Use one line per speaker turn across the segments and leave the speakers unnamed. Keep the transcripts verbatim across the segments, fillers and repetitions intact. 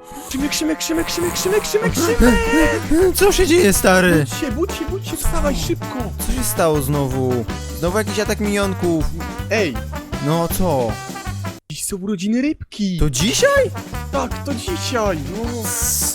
Szymek, Szymek, Szymek, Szymek, Szymek, Szymek, Szymek!
Co się dzieje, stary?
Budź się, budź się, budź się, wstawaj szybko!
Co się stało znowu? Znowu jakiś atak minionków.
Ej,
No co?
dziś są urodziny rybki!
To dzisiaj?
Tak, to dzisiaj, no!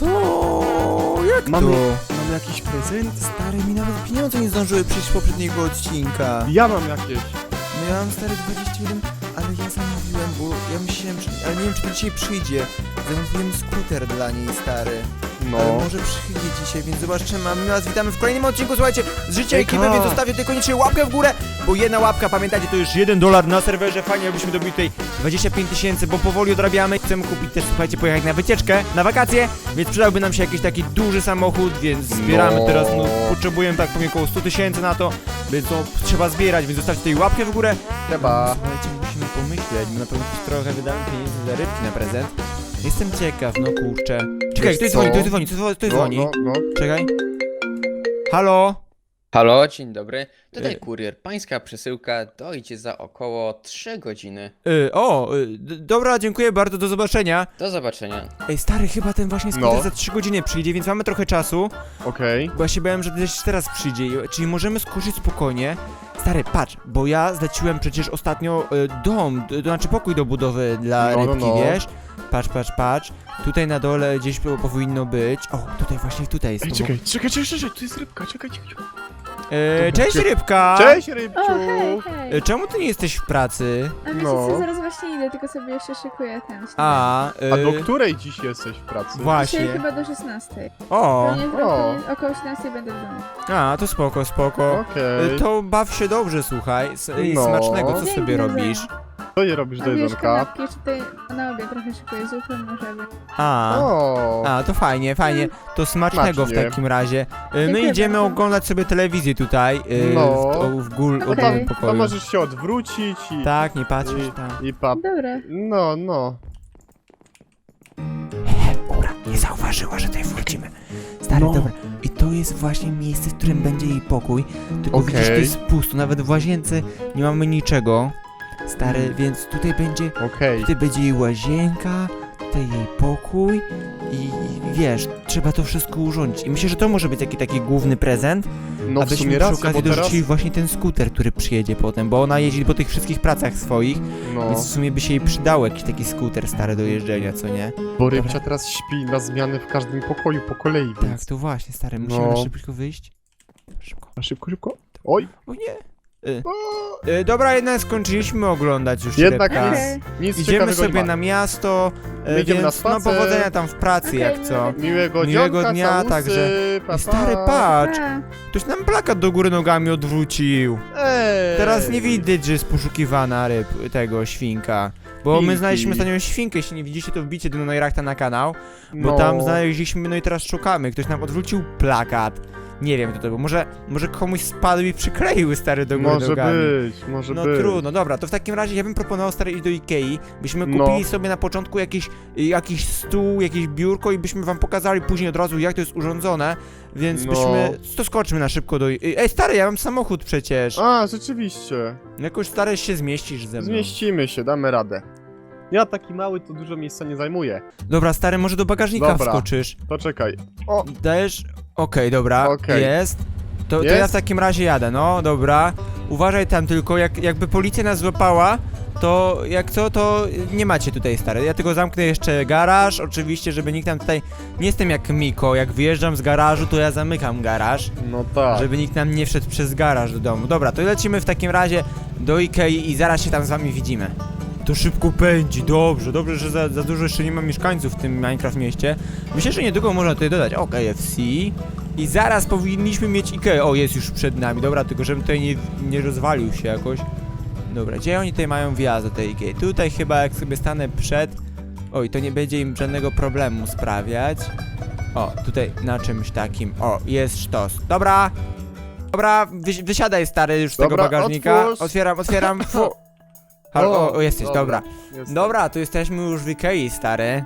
Co? Jak
Mamy,
to?
mamy jakiś prezent?
Stary, mi nawet pieniądze nie zdążyły przyjść z poprzedniego odcinka.
Ja mam jakieś.
No ja mam stary dwadzieścia jeden, ale ja zamówiłem, bo ja myślałem, że... Ale nie wiem, czy to dzisiaj przyjdzie. Zamówiłem skuter dla niej, stary.
No.
Ale może przyjdzie dzisiaj, więc zobaczymy. A my was witamy w kolejnym odcinku, słuchajcie, z życia
Ej,
ekipy,
ka.
więc zostawcie tutaj koniecznie łapkę w górę, bo jedna łapka, pamiętajcie, to już jeden dolar na serwerze. Fajnie, jakbyśmy dobili tutaj dwadzieścia pięć tysięcy, bo powoli odrabiamy. Chcemy kupić też, słuchajcie, pojechać na wycieczkę, na wakacje, więc przydałby nam się jakiś taki duży samochód, więc zbieramy
No.
teraz, no, potrzebujemy tak powiem około sto tysięcy na to, więc no, trzeba zbierać, więc zostawcie tutaj łapkę w górę.
Trzeba.
Słuchajcie, musimy pomyśleć, bo na pewno też trochę wydamy pieniędzy za rybki na prezent. Jestem ciekaw, no kurczę. Czekaj,
Wiesz
ktoś
co?
dzwoni, ktoś dzwoni, ktoś ktoś
No,
dzwoni.
no, no.
Czekaj. Halo?
Halo, dzień dobry. Tutaj
Y-
kurier. Pańska przesyłka dojdzie za około trzy godziny.
Y, o, y, d- dobra, dziękuję bardzo, do zobaczenia.
Do zobaczenia.
Ej, stary, chyba ten właśnie skuter
No.
za trzy godziny przyjdzie, więc mamy trochę czasu.
Okej.
Bo ja się bałem, że też teraz przyjdzie, i- czyli możemy skoczyć spokojnie. Stary, patrz, bo ja zleciłem przecież ostatnio y, dom, d- to znaczy pokój do budowy dla
No, no,
rybki,
no.
wiesz? Patrz, patrz, patrz. Tutaj na dole gdzieś po- powinno być. O, tutaj właśnie tutaj jest.
Ej,
to,
czekaj, czekaj, czekaj, czekaj, tu jest rybka, czekaj, czekaj. czekaj.
E, cześć, rybka!
Cześć, rybciu!
O, hej, hej.
E, Czemu ty nie jesteś w pracy?
A wiecie
no.
co, zaraz właśnie idę, tylko sobie jeszcze szykuję ten śniadanie.
A, e,
A do której dziś jesteś w pracy?
właśnie.
Dzisiaj chyba do szesnastej.
O,
Pewnie
o.
trochę około siedemnastej będę w domu.
a, to spoko, spoko.
Okej.
E, To baw się dobrze, słuchaj. S- i
No.
Smacznego, co
Dzięki,
sobie
do
robisz?
Co nie robisz
A
do
wiesz,
jedzonka?
kanapki jeszcze tutaj na obiad trochę szykuję, zupę może być.
A,
O.
a, to fajnie, fajnie. To smacznego w
Smacznie.
takim razie. E, My
Dziękuję
idziemy
bardzo.
oglądać sobie telewizję tutaj. e,
No.
W, o, w gól,
Okej.
okay.
To, tam, to
pokoju.
możesz się odwrócić i...
Tak, nie patrzysz tam.
I, i pa...
Dobra.
No, no.
Ura, nie zauważyła, że tutaj wchodzimy. Stary,
No.
dobra. I to jest właśnie miejsce, w którym będzie jej pokój. Tylko
Okej.
widzisz, to jest pusto. Nawet w łazience nie mamy niczego. Stary, więc tutaj będzie,
Okej.
tutaj będzie jej łazienka, tutaj jej pokój i, i wiesz, trzeba to wszystko urządzić. I myślę, że to może być taki taki główny prezent,
No w
abyśmy
sumie
przy
racja,
okazji
bo teraz...
dorzucili właśnie ten skuter, który przyjedzie potem, bo ona jeździ po tych wszystkich pracach swoich,
No,
więc w sumie by się jej przydał jakiś taki skuter stary do jeżdżenia, co nie?
bo rybcia teraz śpi na zmiany w każdym pokoju po kolei,
Tak,
więc...
to właśnie, stary, musimy
No.
szybko wyjść. Szybko.
A szybko, szybko. Oj!
O nie! Y,
O,
y, dobra, jednak skończyliśmy oglądać już
Jednak
rybka.
nic,
Okej.
nic
Idziemy
ciekawego
sobie
nie ma.
na miasto, y,
My idziemy
więc
na
no
spacer.
powodzenia tam w pracy,
Okej,
jak co.
Miłego,
Miłego
dzionka,
dnia,
całusy,
także-
Pa, pa.
Stary, patrz!
A,
Ktoś nam plakat do góry nogami odwrócił.
Ej.
Teraz nie widać, że jest poszukiwana ryb, tego, świnka. Bo my
Świnki.
znaleźliśmy ostatnią świnkę, jeśli nie widzicie, to wbicie do Neurachta na kanał. Bo
No.
tam znaleźliśmy, no i teraz szukamy. Ktoś nam odwrócił plakat. Nie wiem kto to był. Może, może komuś spadł i przykleił stary do góry
Może
nogami.
być, może
No
być.
trudno, dobra, to w takim razie ja bym proponował stary iść do Ikei, byśmy
No.
kupili sobie na początku jakiś, jakiś stół, jakieś biurko i byśmy wam pokazali później od razu jak to jest urządzone, więc
No.
byśmy, to skoczmy na szybko do... Ej stary, ja mam samochód przecież,
A, rzeczywiście.
jakoś stary się zmieścisz ze mną.
Zmieścimy się, damy radę. Ja taki mały to dużo miejsca nie zajmuję.
Dobra stary, może do bagażnika
Dobra.
wskoczysz,
To czekaj. O,
dajesz? Okej, dobra,
Okej.
jest. To, to
Jest?
ja w takim razie jadę, no dobra. Uważaj tam tylko, jak, jakby policja nas złapała, to jak co, to nie macie tutaj stary. Ja tylko zamknę jeszcze garaż, oczywiście, żeby nikt nam tutaj... Nie jestem jak Miko, jak wyjeżdżam z garażu, to ja zamykam garaż,
no tak.
żeby nikt nam nie wszedł przez garaż do domu. Dobra, to lecimy w takim razie do Ikei i zaraz się tam z wami widzimy. To szybko pędzi, dobrze, dobrze, że za, za dużo jeszcze nie ma mieszkańców w tym Minecraft mieście. Myślę, że niedługo można tutaj dodać, o, K F C. I zaraz powinniśmy mieć Ikea. O, jest już przed nami, dobra, tylko żebym tutaj nie, nie rozwalił się jakoś. Dobra, gdzie oni tutaj mają wjazd do tej Ikei? Tutaj chyba jak sobie stanę przed... Oj, to nie będzie im żadnego problemu sprawiać. O, tutaj na czymś takim. O, jest sztos. Dobra! Dobra, wysi wysiadaj stary już z tego
Dobra,
bagażnika.
otwórz.
Otwieram, otwieram. Fu. Halo, o, o, jesteś, dobra.
Jestem.
Dobra, tu jesteśmy już w Ikei, stary.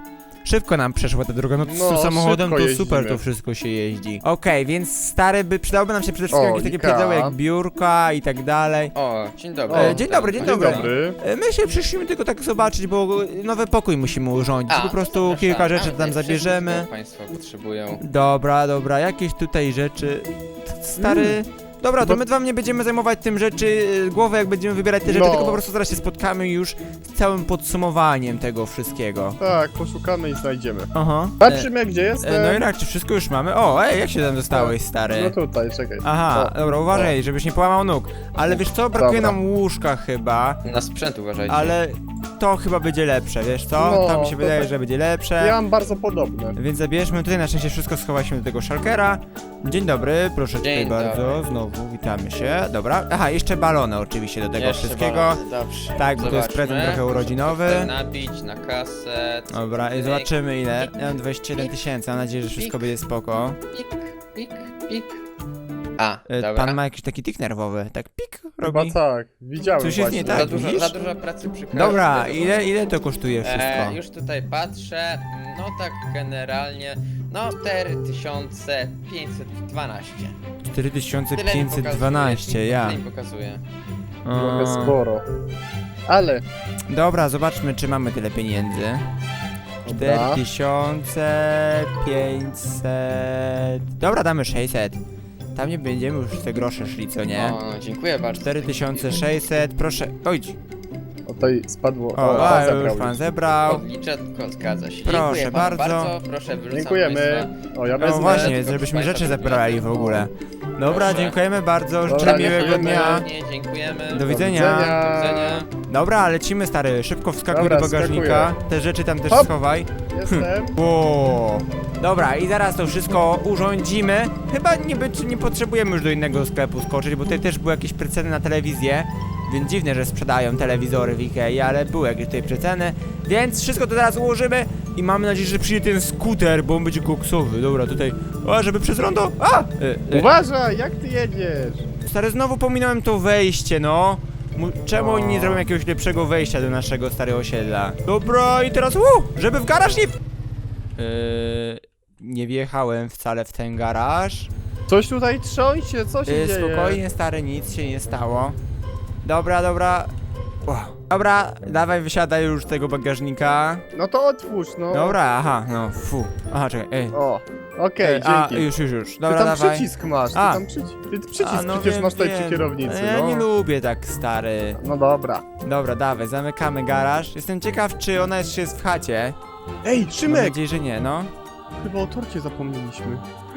Szybko nam przeszła ta droga, no,
No,
z samochodem to
szybko
super
jeździmy.
to wszystko się jeździ. Okej, więc stary, by przydałoby nam się przede wszystkim
O,
jakieś takie
Ika.
pierdoły jak biurka i tak dalej.
O, dzień dobry.
E, dzień dobry, dzień
Dzień
dobry.
dobry.
E, My się przyszliśmy tylko tak zobaczyć, bo nowy pokój musimy urządzić.
A,
po
to
prostu
zapraszamy.
kilka rzeczy
Mamy
tam
tutaj
zabierzemy.
wszystko, Państwo potrzebują.
Dobra, dobra, jakieś tutaj rzeczy. T- Stary.
Mm.
Dobra, to
Bo-
my wam nie będziemy zajmować tym rzeczy, y, głowę jak będziemy wybierać te rzeczy,
No.
tylko po prostu zaraz się spotkamy już z całym podsumowaniem tego wszystkiego.
Tak, poszukamy i znajdziemy.
Aha.
Patrzymy, gdzie jestem.
E, no i tak, czy wszystko już mamy? O, ej, jak się tam dostałeś, stary?
No tutaj, czekaj.
Aha,
O,
dobra, uważaj, żebyś nie połamał nóg. Ale wiesz co, brakuje
Dobra.
nam łóżka chyba,
Na sprzęt uważajcie.
ale to chyba będzie lepsze, wiesz co?
No,
to mi się
to
wydaje,
tak-
że będzie lepsze.
Ja mam bardzo podobne.
Więc zabierzmy, tutaj na szczęście wszystko schowaliśmy do tego szalkera. Dzień dobry, proszę tutaj
Dzień
bardzo,
dobry.
znowu witamy się. Dobra, aha, jeszcze balony oczywiście do tego
Jeszcze
wszystkiego.
balony, dobrze.
Tak, bo to jest
Zobaczmy.
prezent trochę urodzinowy.
Chcę nabić na kasę. cyk,
Dobra, i
pyk,
zobaczymy ile.
pik,
Ja mam dwadzieścia siedem tysięcy, mam nadzieję, że wszystko będzie spoko.
Pik, pik, pik. A,
E,
dobra.
Pan ma jakiś taki tik nerwowy, tak pik
Chyba
robi.
tak, widziałem
Coś jest nie
właśnie.
tak,
za, dużo,
widzisz?
za dużo pracy przy kasie.
Dobra,
za dużo-
ile, ile to kosztuje wszystko?
E, już tutaj patrzę, no tak generalnie, no cztery tysiące pięćset dwanaście.
cztery tysiące
Tyle mi
pięćset
pokazuje,
dwanaście, ja.
Tyle mi pokazuje.
Trochę
A.
sporo. Ale,
Dobra, zobaczmy, czy mamy tyle pieniędzy. cztery
dobra.
tysiące pięćset. Dobra, damy sześćset. Tam nie będziemy już te grosze szli, co nie?
O, dziękuję bardzo.
cztery tysiące sześćset, proszę. Oj,
O, tutaj spadło.
o,
O,
a,
pan
już
zabrał.
pan zebrał.
Odliczę, tylko zgadza się.
Proszę
Dziękuję panu
bardzo.
bardzo. Proszę, wyrzucam
Dziękujemy.
państwa.
O, ja
No
wezmę.
właśnie,
tylko
żebyśmy
państwa
rzeczy
dokumenty.
zabrali w ogóle. Dobra,
Proszę.
dziękujemy bardzo, życzę
Dobra,
miłego
dziękujemy.
dnia.
Nie, dziękujemy.
Do
Do
widzenia.
Do widzenia.
Dobra, lecimy stary, szybko wskakuj
Dobra,
do bagażnika. Te rzeczy tam też
Hop.
schowaj.
Jestem.
O. Dobra, i zaraz to wszystko urządzimy. Chyba nie, być, nie potrzebujemy już do innego sklepu skoczyć, bo tutaj też były jakieś przeceny na telewizję. Więc dziwne, że sprzedają telewizory w Ikei, ale były jakieś tutaj przeceny. Więc wszystko to teraz ułożymy i mamy nadzieję, że przyjdzie ten skuter, bo on będzie koksowy. Dobra, tutaj. O, żeby przez rondo. A! E, e,
Uważaj, jak ty jedziesz?
Stary, znowu pominąłem to wejście, no. Mu- Czemu
O.
oni nie zrobią jakiegoś lepszego wejścia do naszego starego osiedla? Dobra, i teraz uu, żeby w garaż nie... Yy, nie wjechałem wcale w ten garaż.
Coś tutaj trząsie, co się
Yy,
dzieje?
spokojnie, stary, nic się nie stało. Dobra, dobra. O, dobra, dawaj, wysiadaj już z tego bagażnika.
No to otwórz, no.
Dobra, aha, no, fu. Aha, czekaj, ej.
O, okej,
Ej, a,
dzięki.
już, już, już.
Ty
Dobra,
tam
dawaj.
przycisk masz, ty
A.
tam przycisk. Ty przycisk
A, no
przecież
wiem,
masz tutaj
wiem.
przy kierownicy,
Ja
no.
nie lubię tak, stary.
No dobra.
Dobra, dawaj, zamykamy garaż. Jestem ciekaw, czy ona jeszcze jest w chacie.
Ej,
Mam
Szymek!
nadzieję, że nie, no.
Chyba o torcie zapomnieliśmy.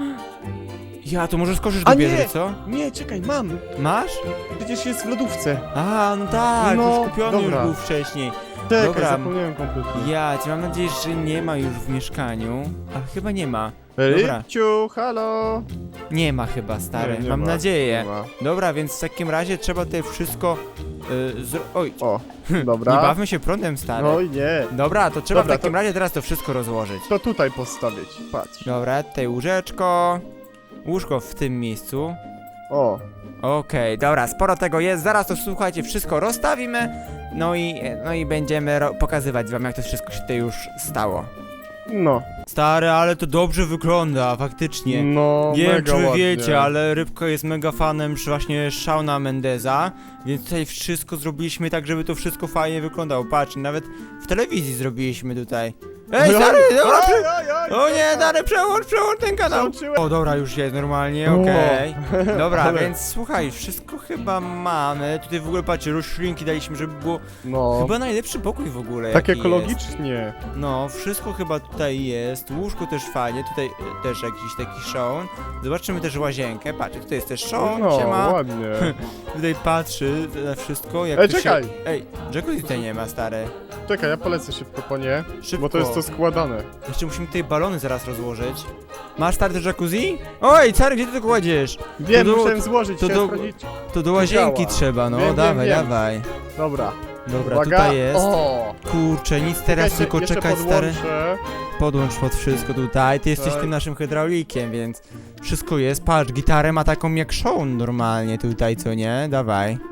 Ja, to może skoczysz
A
do
nie!
biedry, co?
Nie, czekaj, mam!
Masz?
Przecież jest w lodówce.
A, no tak,
No,
już kupiony
dobra.
już był wcześniej.
Czekaj,
Dobra.
zapomniałem kompletnie.
Ja, cię mam nadzieję, że nie ma już w mieszkaniu. A chyba nie ma. Dobra.
Rybciu, halo!
Nie ma chyba, stary.
Nie, nie
mam
ma,
nadzieję.
nie ma.
Dobra, więc w takim razie trzeba tutaj wszystko y, zro... Oj,
O,
nie
dobra.
bawmy się prądem, stary.
No i nie.
Dobra, to trzeba
Dobra,
w takim
to-
razie teraz to wszystko rozłożyć.
To tutaj postawić, patrz.
Dobra, tutaj łóżeczko. Łóżko w tym miejscu.
O,
Okej, dobra, sporo tego jest. Zaraz to słuchajcie, wszystko rozstawimy. No i, no i będziemy ro- pokazywać wam, jak to wszystko się tutaj już stało.
no.
Stary, ale to dobrze wygląda, faktycznie.
No,
Nie wiem,
mega
czy wy
ładnie.
wiecie, ale Rybko jest mega fanem właśnie Shauna Mendeza, więc tutaj wszystko zrobiliśmy tak, żeby to wszystko fajnie wyglądało. Patrz, nawet w telewizji zrobiliśmy tutaj. Ej, stary, dobra,
Oj,
przy...
oj, oj,
O nie, stary, przełącz, przełącz ten kanał.
Przełączyłem.
O, dobra, już jest normalnie,
O.
okej. Dobra,
Ale-
więc słuchaj, wszystko chyba mamy. Tutaj w ogóle, patrzcie, roślinki daliśmy, żeby było
No,
chyba najlepszy pokój w ogóle,
tak
jaki
ekologicznie.
jest. No, wszystko chyba tutaj jest, łóżko też fajnie, tutaj e, też jakiś taki Shaun. Zobaczymy też łazienkę, patrzcie, tutaj jest też Shaun,
No,
siema.
ładnie.
Tutaj patrzy na wszystko, jak
Ej,
tu
czekaj.
Się... Ej, jacuzzi tutaj nie ma, stary.
Czekaj, ja polecę szybko po nie,
Szybko.
bo to jest to składane.
Jeszcze musimy tutaj balony zaraz rozłożyć. Masz stary do jacuzzi? Oj, stary, gdzie ty to kładziesz?
Wiem,
To do-
musiałem złożyć,
to
chciałem
do-
sprawdzić.
To do łazienki
działa.
trzeba, no,
Wiem, wiem,
dawaj,
wiem.
dawaj.
Dobra,
Dobra,
uwaga.
tutaj jest.
O,
Kurczę, nic teraz,
czekajcie,
tylko
jeszcze
czekać, stary.
podłączę.
Podłącz pod wszystko tutaj, ty jesteś
Tak.
tym naszym hydraulikiem, więc wszystko jest. Patrz, gitarę ma taką jak Shaun normalnie tutaj, co nie? Dawaj.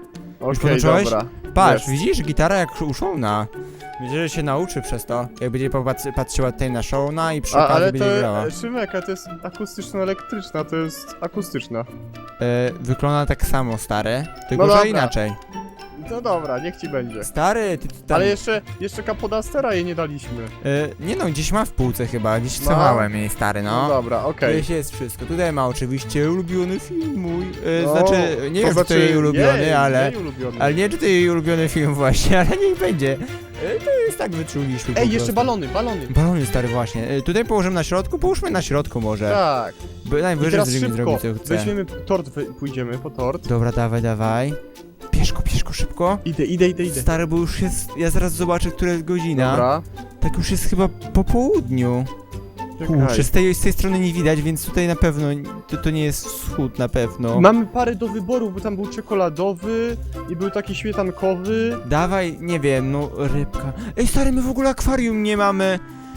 Okej,
podłączyłeś?
dobra.
Patrz,
Jest.
widzisz, gitara jak u Shona. Myślę, że się nauczy przez to. Jak będzie popatrzy- patrzyła tutaj na Shona i przy
A,
okazji
ale
będzie grała.
to, Szymek, a to jest akustyczno-elektryczna, to jest akustyczna.
E, wygląda tak samo, stary. Tylko,
No
że
dobra.
inaczej.
No dobra, niech ci będzie.
Stary, ty, ty tam...
Ale jeszcze, jeszcze Capodastera jej nie daliśmy.
E, nie no, gdzieś ma w półce chyba, gdzieś
No.
schowałem jej, stary,
No,
no.
dobra, okej.
Gdzieś jest wszystko. Tutaj ma oczywiście ulubiony film mój. E,
No,
znaczy, nie wiem, czy to jej ulubiony,
jej,
ale...
jej ulubiony.
Ale nie, czy to jej ulubiony film właśnie, ale niech będzie. E, to jest tak, wyczuliśmy po
Ej, jeszcze
prostu.
balony, balony.
Balony, stary, właśnie. E, tutaj położymy na środku, połóżmy na środku może.
Tak.
Bo
I
najwyżej
teraz
zrobimy
szybko,
zrobić co chce.
weźmiemy tort, wy- pójdziemy po tort.
Dobra, dawaj, dawaj. Bierz go, bierz go szybko.
Idę, idę, idę, idę.
Stary, bo już jest... Ja zaraz zobaczę, która jest godzina.
Dobra.
Tak już jest chyba po południu. Kurczę,
Czekaj.
z tej, z tej strony nie widać, więc tutaj na pewno... To, to nie jest wschód na pewno.
Mamy parę do wyboru, bo tam był czekoladowy i był taki śmietankowy.
Dawaj, nie wiem, no rybka. Ej, stary, my w ogóle akwarium nie mamy.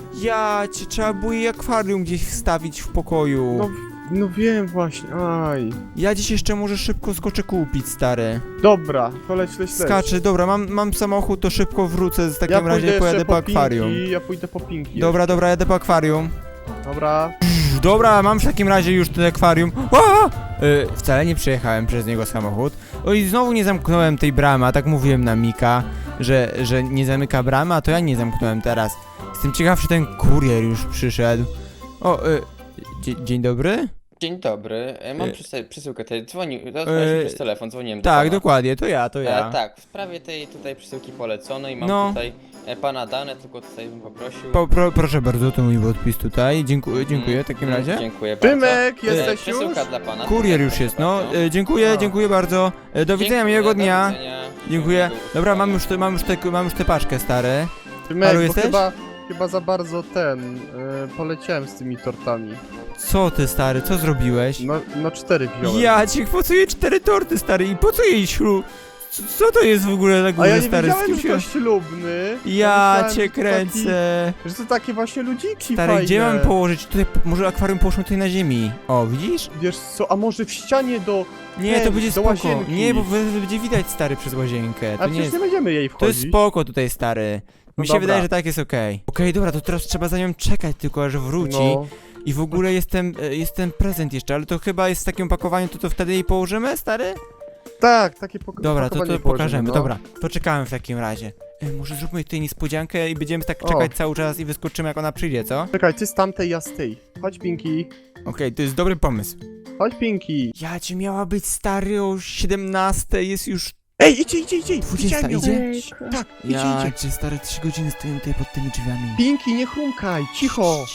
Ja cię, trzeba było jej akwarium gdzieś wstawić w pokoju.
No, no wiem właśnie, aj.
Ja dziś jeszcze może szybko skoczę kupić, stary.
Dobra, to leć, leć, leć.
Skaczę, dobra, mam, mam samochód, to szybko wrócę, w takim
Ja
razie
pójdę
pojadę
jeszcze
po akwarium.
Pinki, ja pójdę po pinki.
Dobra, dobra, jadę po akwarium.
Dobra.
Dobra, mam w takim razie już ten akwarium. Ła! Y, wcale nie przejechałem przez niego samochód. O i znowu nie zamknąłem tej bramy, a tak mówiłem na Mika, że, że nie zamyka bramy, a to ja nie zamknąłem teraz. Jestem ciekaw, czy ten kurier już przyszedł. O, y, dzie- dzień dobry?
Dzień dobry, e, mam
E,
przysy- przesyłkę tej, dzwonił,
e,
e, przez telefon, dzwoniłem do
Tak,
pana.
dokładnie, to ja, to ja.
E, tak, w sprawie tej tutaj przesyłki poleconej mam
No.
tutaj e, pana dane, tylko tutaj bym poprosił.
Po, pro, proszę bardzo, to mój podpis tutaj. Dziękuję, dziękuję w takim
Mm,
razie.
Dziękuję bardzo.
Szymek,
E,
jesteś już?
Przesyłka dla pana.
Kurier już
Proszę
jest, no.
bardzo.
E, dziękuję,
A.
dziękuję bardzo. E, do widzenia,
Dziękuję,
miłego
do
dnia.
widzenia.
Dziękuję.
Miłego
Dobra, mam
usłyszenia.
już, te, mam, już te, mam już tę paczkę, stary.
Szymek,
Halo,
bo
jesteś?
chyba, chyba za bardzo ten, y, poleciałem z tymi tortami.
Co ty, stary, co zrobiłeś?
No, no cztery wziąłem.
Ja ci po co jej cztery torty, stary, i po co jej ślub? Co, co to jest w ogóle na
A
górze,
ja nie
stary?
wiedziałem,
kim
że
się...
to ślubny.
Ja
myślałem,
cię
że to
kręcę.
Taki, że to takie właśnie ludziki
Stary,
fajne.
gdzie mam położyć? Tutaj, po- może akwarium połóżmy tutaj na ziemi. O, widzisz?
Wiesz co, a może w ścianie do...
Nie,
Ten,
to będzie
do
spoko.
łazienki.
Nie, bo wy- wy- będzie widać, stary, przez łazienkę.
A
To nie
przecież
jest...
nie będziemy jej
To
wchodzić.
jest spoko tutaj, stary.
No
Mi się
dobra.
wydaje, że tak jest okej. Okej, dobra, to teraz trzeba za nią czekać tylko, aż wróci.
No.
I w ogóle jest ten, e, jest ten prezent jeszcze, ale to chyba jest w takim opakowaniu, to to wtedy jej położymy, stary?
Tak, takie pok
Dobra, to, to
pakowanie
pokażemy,
położymy, no.
dobra. To czekałem w takim razie. E, może zróbmy tutaj niespodziankę i będziemy tak
O.
czekać cały czas i wyskoczymy jak ona przyjdzie, co? Okej,
Czekaj, ty z tamtej, ja z tej. Chodź, Pinki.
to jest dobry pomysł.
Chodź, Pinki.
Ja ci miała być stary o siedemnastej, jest już...
Ej, idzie, idzie, idzie.
dwudziesta
Widziałem ją.
idzie?
Ojejku.
Tak, idzie,
Ja
idzie.
cię stary trzy godziny stoję tutaj pod tymi drzwiami.
Pinki, nie chrumkaj, cicho.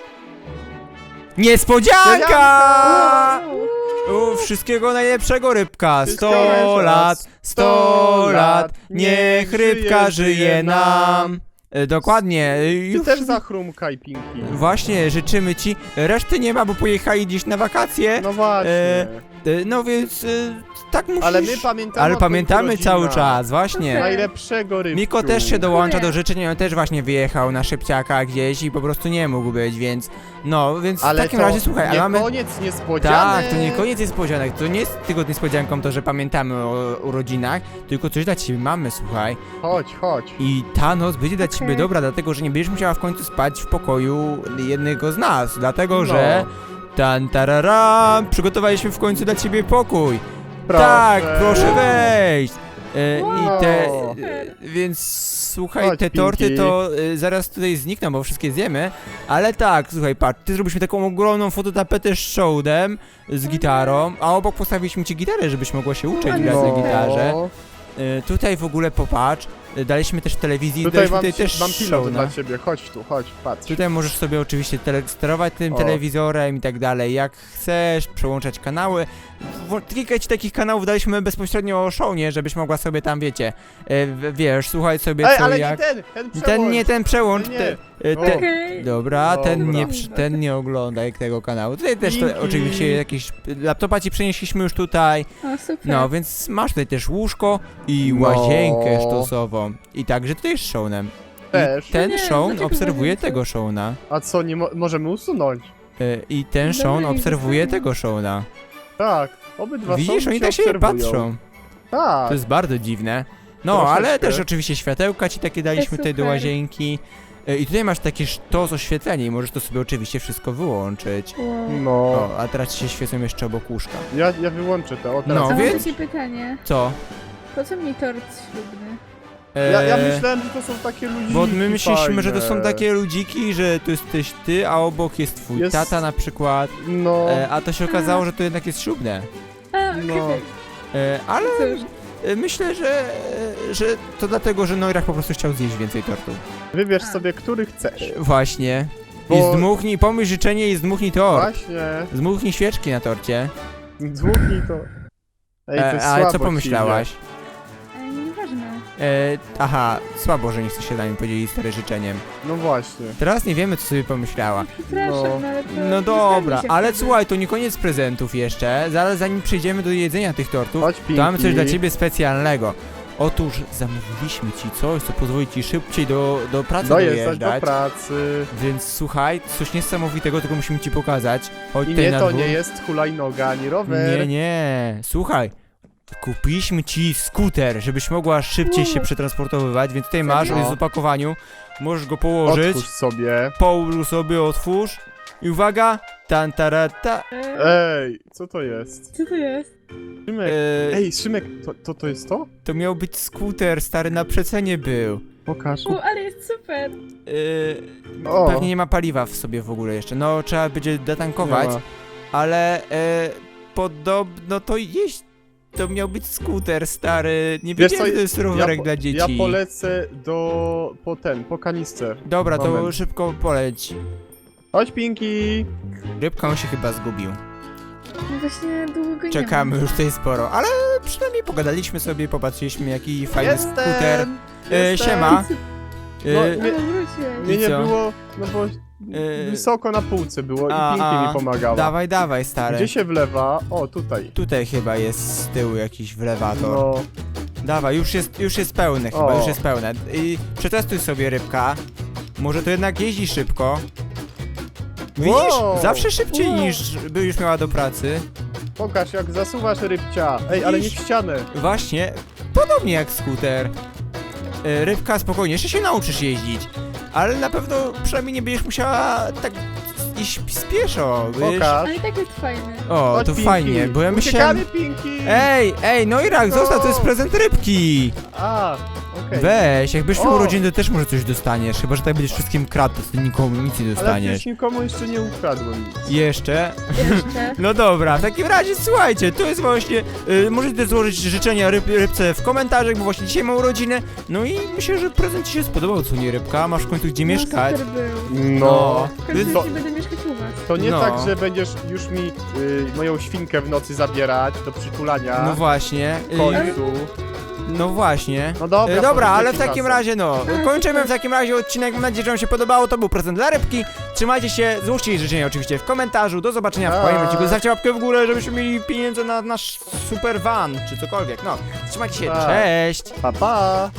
Niespodzianka!
Wow.
U, wszystkiego najlepszego, rybka!
Wszystkiego
Sto
najlepszego.
lat, sto lat, niech
niech
rybka
żyje,
żyje
żyje
nam! E, dokładnie, e,
Ty
już...
też zachrumkaj, Pinki.
Właśnie, życzymy ci. Reszty nie ma, bo pojechali gdzieś na wakacje.
No właśnie.
E, E, No więc, e, tak musisz...
Ale my pamiętamy
Ale
o
pamiętamy
twoich
cały
rodzinach.
czas, właśnie.
Najlepszego rybku.
Miko też się dołącza
Dziękuję.
do życzeń, on też właśnie wyjechał na szybciaka gdzieś i po prostu nie mógł być, więc... No, więc
Ale
w takim
to
razie, słuchaj,
nie
ale mamy...
koniec niespodzianek.
Tak, to nie koniec niespodzianek, to nie jest tylko niespodzianką to, że pamiętamy o urodzinach, tylko coś dla ciebie mamy, słuchaj.
Chodź, chodź.
I ta noc będzie dla ciebie
Okej.
dobra, dlatego że nie będziesz musiała w końcu spać w pokoju jednego z nas, dlatego
No.
że... Tan tarara, przygotowaliśmy w końcu dla ciebie pokój.
Proszę.
Tak, proszę wejść. E,
Wow.
I te, e, więc słuchaj,
Chodź,
te torty
Pinki.
to e, zaraz tutaj znikną, bo wszystkie zjemy, ale tak, słuchaj, patrz, ty zrobiliśmy taką ogromną fototapetę z showdem, z gitarą, a obok postawiliśmy ci gitarę, żebyś mogła się uczyć
No.
grać na
No.
gitarze. E, tutaj w ogóle popatrz, e, daliśmy też telewizji,
Tutaj
daliśmy
mam,
tutaj też
mam pilot
show,
dla
no.
ciebie, chodź tu, chodź, patrz.
Tutaj możesz sobie oczywiście tele sterować tym
O.
telewizorem i tak dalej, jak chcesz, przełączać kanały. W- Kilka ci takich kanałów daliśmy bezpośrednio o Shownie, żebyś mogła sobie tam, wiecie, e, w- wiesz, słuchać sobie
Ej,
co
ale
jak...
nie ten, ten przełącz.
ten nie, ten przełącz,
Nie.
te, e,
O.
te,
Okej.
Dobra, ten
Dobra.
nie, przy- ten nie oglądaj tego kanału. Tutaj też to,
Dzięki.
oczywiście jakieś... Laptopa ci przenieśliśmy już tutaj,
O, super.
no więc masz tutaj też łóżko i
No.
łazienkę sztosową. I także tutaj jest Shownem.
Też.
I ten
Nie,
Shown
dlaczego
obserwuje
łazienkę?
tego Showna.
A co, nie mo możemy usunąć?
E, I ten
Dobra,
Sean
nie
obserwuje
zostawiam.
tego Shona.
Tak, obydwa
Widzisz,
są
oni
cię
tak się
obserwują.
patrzą.
Tak.
To jest bardzo dziwne. No,
Troszeczkę.
ale też oczywiście światełka ci takie daliśmy tutaj do
super.
łazienki. E, I tutaj masz takie sztos oświetlenie i możesz to sobie oczywiście wszystko wyłączyć.
Wow.
No,
O, a teraz ci się świecą jeszcze obok łóżka.
ja, ja wyłączę to. O, teraz.
No,
A mam
więc-
takie pytanie.
Co?
Po co mi tort ślubny?
E,
Ja, ja myślałem, że to są takie ludziki
Bo my myśleliśmy, że to są
fajne.
takie ludziki, że to jesteś ty, a obok jest twój
Jest-
tata na przykład.
No,
E, a to się okazało, że to jednak jest ślubne.
A,
No.
okej.
E, ale
Cóż,
e, myślę, że, e, że to dlatego, że Neurach po prostu chciał zjeść więcej tortów.
wybierz
A.
sobie, który chcesz.
E, właśnie. I
Bo-
zdmuchnij, pomyśl życzenie i zdmuchnij tort.
Właśnie,
Zdmuchnij świeczki na torcie.
dmuchnij to. Ej, to
E,
jest
ale
słabo
co
ci
pomyślałaś?
e, nieważne.
E, aha, słabo, że nie chce się dla mnie podzielić stary życzeniem.
idzie. No właśnie.
Teraz nie wiemy, co sobie pomyślała.
Przepraszam,
No.
no, ale to...
No
nie
dobra,
zgadza się
ale
wtedy.
słuchaj, to nie koniec prezentów jeszcze. Zaraz zanim przejdziemy do jedzenia tych tortów,
Chodź,
to mamy coś
Pinki.
dla ciebie specjalnego. Otóż zamówiliśmy ci coś, co pozwoli ci szybciej do, do pracy
Dojeżdżać do
dojeżdżać.
pracy.
Więc słuchaj, coś niesamowitego, tylko musimy ci pokazać. Chodź
I
tutaj
nie,
na
to
dwór.
nie jest hulajnoga ani rower.
Nie, nie. Słuchaj, kupiliśmy ci skuter, żebyś mogła szybciej się
Wow.
przetransportowywać, więc tutaj masz, on jest w opakowaniu. Możesz go położyć.
Otwórz sobie.
Połóż sobie, otwórz. I uwaga, tan tarata.
E,
Ej, co to jest?
co to jest?
Szymek.
E,
Ej, Szymek, to, to, to jest to?
to miał być skuter, stary, na przecenie był.
Pokaż.
U, ale jest super.
E,
O,
pewnie nie ma paliwa w sobie w ogóle jeszcze. No, trzeba będzie detankować,
nie ma.
ale e, podobno to jeść. To miał być skuter, stary. Nie
Wiesz
wiedziałem,
co,
że to jest rowerek
po-
dla dzieci.
Ja polecę do... po ten, po kanister.
Dobra, to
Moment.
szybko poleć.
Chodź, Pinki.
Rybka on się chyba zgubił.
No właśnie długo nie
Czekamy
ma.
już tutaj sporo, ale przynajmniej pogadaliśmy sobie, popatrzyliśmy jaki fajny
Jestem.
skuter. E,
Jestem.
siema.
No,
E,
nie-
Ale wróciłeś.
Mnie
I
nie
co?
było, no bo
E,
wysoko na półce było
a,
i Pinki
a,
mi pomagała.
Dawaj, dawaj, stary.
Gdzie się wlewa? O, tutaj.
Tutaj chyba jest z tyłu jakiś wlewator.
No,
Dawaj, już jest, już jest pełne chyba,
O.
już jest pełne. I przetestuj sobie rybka. Może to jednak jeździ szybko. Widzisz?
Wow.
Zawsze szybciej
Wow.
niż by już miała do pracy.
pokaż jak zasuwasz rybcia. Ej, ale nie w
Widzisz?
ścianę.
Właśnie, podobnie jak skuter. E, Rybka, spokojnie, jeszcze się nauczysz jeździć. Ale na pewno przynajmniej nie będziesz musiała tak iść spieszo, wiesz?
Pokaż.
Ale i tak jest fajny.
O,
Chodź,
to
Pinki.
fajnie, bo ja myślałem...
Uciekamy, Pinki.
Ej, ej, no i rak,
No.
zostaw, to jest prezent rybki!
A, okej.
Weź, jakbyś miał
O.
urodziny, to też może coś dostaniesz, chyba że tak będziesz wszystkim kradł, to ty nikomu nic nie
Ale
dostaniesz.
przecież nikomu jeszcze nie ukradłem nic.
Jeszcze?
Jeszcze.
No dobra, w takim razie słuchajcie, to jest właśnie, y, możecie złożyć życzenia ryb, rybce w komentarzach, bo właśnie dzisiaj ma urodziny, no i myślę, że prezent ci się spodobał, co nie rybka, masz w końcu gdzie
No,
mieszkać.
super był.
No.
W końcu
To,
nie będę mieszkać u was.
to nie
No.
tak, że będziesz już mi y, moją świnkę w nocy zabierać do przytulania.
No właśnie,
W
y,
końcu.
no właśnie.
No dobra,
E, Dobra,
powiedz,
ale w
jaki
takim
czasem.
razie no,
A,
kończymy
super.
w takim razie odcinek, mam nadzieję, że wam się podobało, to był prezent dla rybki, trzymajcie się, złóżcie jej życzenia oczywiście w komentarzu, do zobaczenia w
Tak.
kolejnym odcinku, zostawcie łapkę w górę, żebyśmy mieli pieniądze na nasz super van, czy cokolwiek, no, trzymajcie się,
Tak.
cześć!
Pa, pa.